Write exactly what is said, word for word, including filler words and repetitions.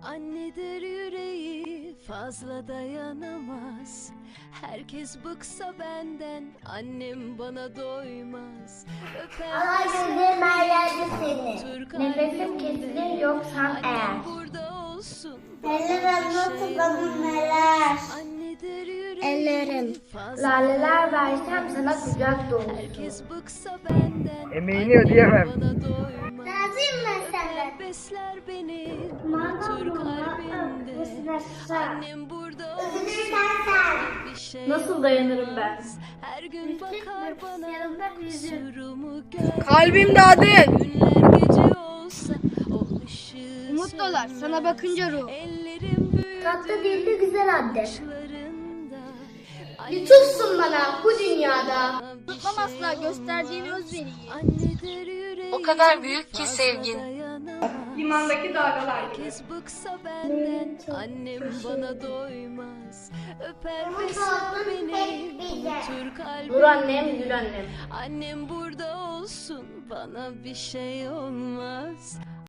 Annedir yüreği fazla dayanamaz. Herkes bıksa benden, annem bana doymaz. Allah gözlerim her yerde senin. Türk Nefesim kesilir yoksan eğer. annem burada olsun. Ellerim nasıl bana neler. Annedir yüreği Ellerim. fazla Laleler versem sana kucak dolusu. herkes bıksa benden, Emeğini ödeyemem. bana doymaz. Razıyım ben senden. Besler beni Madem Türk bu, kalbinde. madem Annem burada olsun. Üzülürsen sen. Bir şey Nasıl dayanırım ben? olmaz. Her gün bakar bana yanımda yüzün. kusurumu gör. Kalbim dağdı. Günler gece olsa o ışığı Umut dolar sana bakınca ruh. Ellerim büyüdü Tatlı dilli güzel anne. başlarında. Lütufsun bana bu dünyada. Tutmam asla gösterdiğin özveriyi. Annedir yüreği O kadar büyük ki fazla sevgin. dayanamaz. Limandaki dalgalar gibi. Herkes bıksa benden, annem bana doymaz. Öper Umut besler oğlum beni hep bize. unutur kalbimde. Dur annem, gül annem. Annem burada olsun, bana bir şey olmaz.